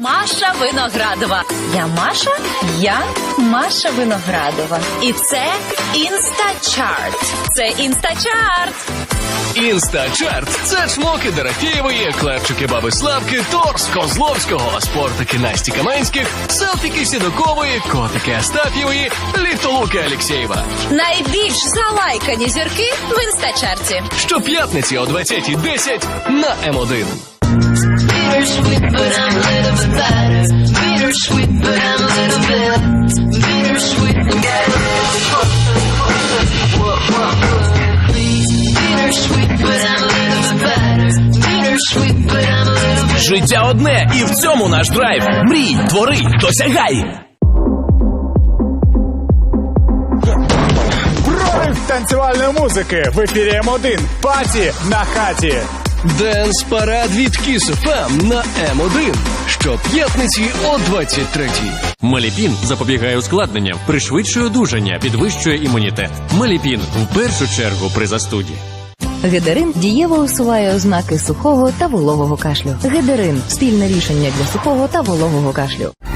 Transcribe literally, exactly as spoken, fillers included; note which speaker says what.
Speaker 1: Маша Виноградова. Я Маша, я Маша Виноградова. І це Інстачарт. Це Інстачарт.
Speaker 2: Інстачарт – це чмоки Дорофєєвої, клепчики Баби Славки, торс Козловського, спортики Насті Каменських, селфіки Сідокової, котики Астаф'євої, ліфтолуки Алєксєєва.
Speaker 1: Найбільш залайкані зірки в Інстачарті.
Speaker 2: Щоп'ятниці о двадцятій десять на Ем один.
Speaker 3: Bittersweet, but I'm a little bit better. Bittersweet, but I'm a little bit. Bittersweet, and get a little closer, closer. Whoa, whoa, whoa. Please. Bittersweet, but I'm a little bit better. Bittersweet, but I'm a little bit.
Speaker 4: Життя одне, і в цьому наш драйв. Мрій, твори, досягай.
Speaker 5: Прорив танцювальної музики в ефірі Ем один. Паті на хаті.
Speaker 2: Денс-парад від Кіс Еф Ем на Ем один. Щоп'ятниці о двадцять третій.
Speaker 6: Маліпін запобігає ускладненням, пришвидшує одужання, підвищує імунітет. Маліпін в першу чергу при застуді.
Speaker 7: Гедерин дієво усуває ознаки сухого та вологого кашлю. Гедерин – спільне рішення для сухого та вологого кашлю.